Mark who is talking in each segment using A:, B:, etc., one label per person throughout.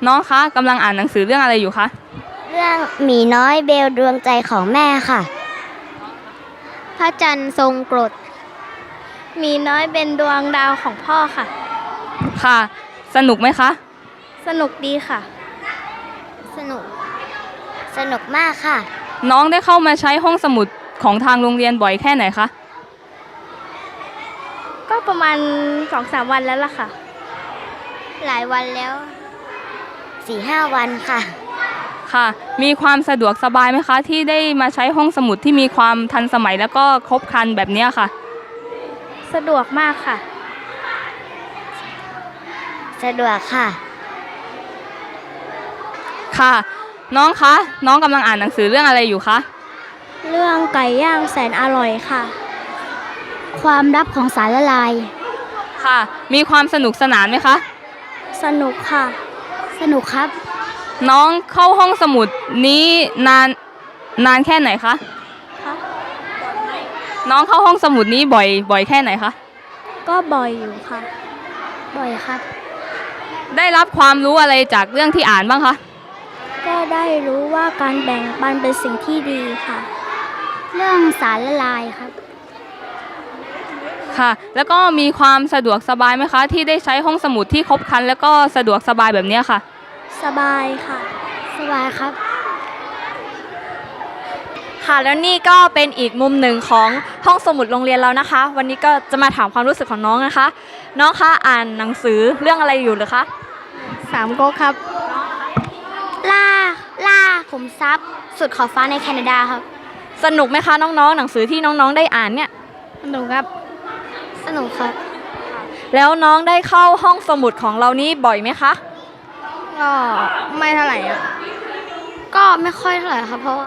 A: น้องคะกำลังอ่านหนังสือเรื่องอะไรอยู่คะ
B: เรื่องหมีน้อยเบลดวงใจของแม่ค่ะพระจันทร์ทรงกรดหมีน้อยเป็นดวงดาวของพ่อค่ะ
A: ค่ะสนุกไหมคะ
B: สนุกดีค่ะ สนุกมากค่ะ
A: น้องได้เข้ามาใช้ห้องสมุดของทางโรงเรียนบ่อยแค่ไหนคะ
B: ก็ประมาณ 2-3 วันแล้วล่ะค่ะหลายวันแล้ว 4-5 วันค่ะ
A: ค่ะมีความสะดวกสบายไหมคะที่ได้มาใช้ห้องสมุดที่มีความทันสมัยแล้วก็ครบครันแบบนี้ค่ะ
B: สะดวกมากค่ะสะดวกค่ะ
A: ค่ะน้องคะน้องกำลังอ่านหนังสือเรื่องอะไรอยู่คะ
B: เรื่องไก่ย่างแสนอร่อยค่ะความลับของสารละลาย
A: ค่ะมีความสนุกสนานไหมคะ
B: สนุกค่ะสนุกครับ
A: น้องเข้าห้องสมุดนี้นานแค่ไหนคะน้องเข้าห้องสมุดนี้บ่อยแค่ไหนคะ
B: ก็บ่อยอยู่ค่ะบ่อยครับ
A: ได้รับความรู้อะไรจากเรื่องที่อ่านบ้างคะ
B: ก็ได้รู้ว่าการแบ่งปันเป็นสิ่งที่ดีค่ะเรื่องสารละลายครับ
A: ค่ะแล้วก็มีความสะดวกสบายไหมคะที่ได้ใช้ห้องสมุดที่ครบครันแล้วก็สะดวกสบายแบบนี้ค่ะ
B: สบายค่ะสบายครับ
C: ค่ะแล้วนี่ก็เป็นอีกมุมหนึ่งของห้องสมุดโรงเรียนเรานะคะวันนี้ก็จะมาถามความรู้สึกของน้องนะคะน้องคะอ่านหนังสือเรื่องอะไรอยู่หรือคะ
B: สามก๊กครับล่าขุมทรัพย์สุดขอบฟ้าในแคนาดาครับ
C: สนุกไหมคะน้องๆหนังสือที่น้องๆได้อ่านเนี่ย
B: สนุกครับสนุกครับ
C: แล้วน้องได้เข้าห้องสมุดของเรานี้บ่อยไหมคะ
B: ก็ไม่เท่าไหร่ครับก็ไม่ค่อยเท่าไหร่ครับเพราะ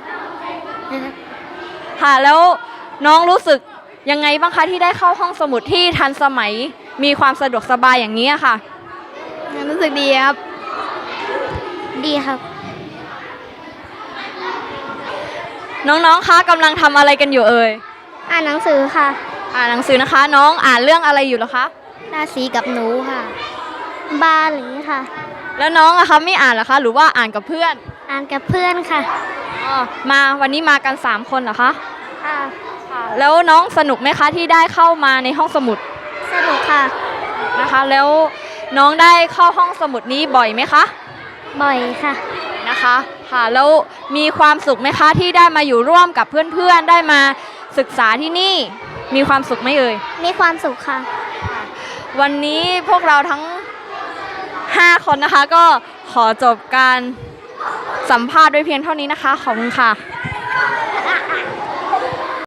C: ค่ะแล้วน้องรู้สึกยังไงบ้างคะที่ได้เข้าห้องสมุดที่ทันสมัยมีความสะดวกสบายอย่างนี้ค่ะ
B: รู้สึกดีครับดีครับ
C: น้องๆคะกำลังทำอะไรกันอยู่เอ่ย
B: อ่านหนังสือค่ะ
C: อ่านหนังสือนะคะน้องอ่านเรื่องอะไรอยู่เหรอคะ
B: ราศีกับหนูค่ะบาหลีค่ะ
C: แล้วน้องอะคะไม่อ่านเหรอคะหรือว่าอ่านกับเพื่อน
B: อ่านกับเพื่อนค่ะ
C: มาวันนี้มากัน3คนเหรอคะ
B: ค่ะ
C: แล้วน้องสนุกไหมคะที่ได้เข้ามาในห้องสมุด
B: สนุกค่ะ
C: นะคะแล้วน้องได้เข้าห้องสมุดนี้บ่อยไหมคะ
B: บ่อยค่ะ
C: นะคะค่ะแล้วมีความสุขไหมคะที่ได้มาอยู่ร่วมกับเพื่อนๆได้มาศึกษาที่นี่มีความสุขไหมเอ่ย
B: มีความสุขค่ะ
C: วันนี้พวกเราทั้ง5คนนะคะก็ขอจบการสัมภาษณ์ด้วยเพียงเท่านี้นะคะขอบคุณค่ะ